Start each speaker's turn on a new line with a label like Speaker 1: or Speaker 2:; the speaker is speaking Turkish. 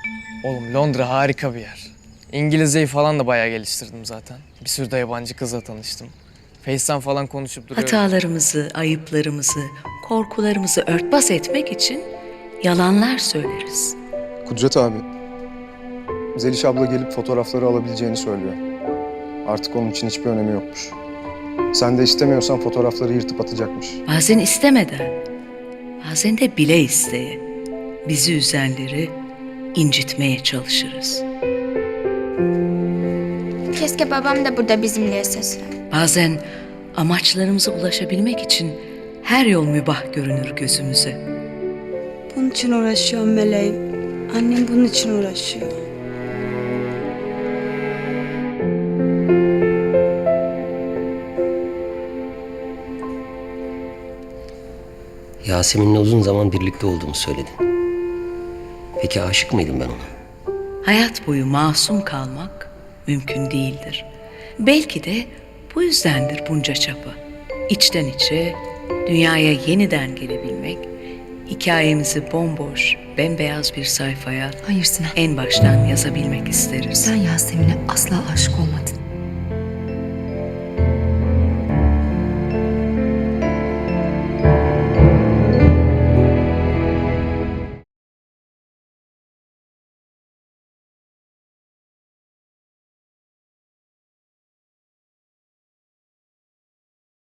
Speaker 1: Oğlum Londra harika bir yer. İngilizceyi falan da bayağı geliştirdim zaten. Bir sürü de yabancı kızla tanıştım. Face'ten falan konuşup duruyorum.
Speaker 2: Hatalarımızı, ayıplarımızı, korkularımızı örtbas etmek için yalanlar söyleriz.
Speaker 3: Kudret abi, Zeliş abla gelip fotoğrafları alabileceğini söylüyor. Artık onun için hiçbir önemi yokmuş. Sen de istemiyorsan fotoğrafları yırtıp atacakmış.
Speaker 2: Bazen istemeden, bazen de bile isteye bizi üzenleri incitmeye çalışırız.
Speaker 4: Keşke babam da burada bizimle yaşasa.
Speaker 2: Bazen amaçlarımıza ulaşabilmek için her yol mübah görünür gözümüze.
Speaker 5: Bunun için uğraşıyorum meleğim. Annem bunun için uğraşıyor.
Speaker 6: Yasemin'le uzun zaman birlikte olduğumu söyledin. Peki aşık mıydım ben ona?
Speaker 2: Hayat boyu masum kalmak mümkün değildir. Belki de bu yüzdendir bunca çaba. İçten içe dünyaya yeniden gelebilmek, hikayemizi bomboş, bembeyaz bir sayfaya
Speaker 7: Hayır Sinan.
Speaker 2: en baştan yazabilmek isteriz.
Speaker 7: Sen Yasemin'e asla aşık olmadın.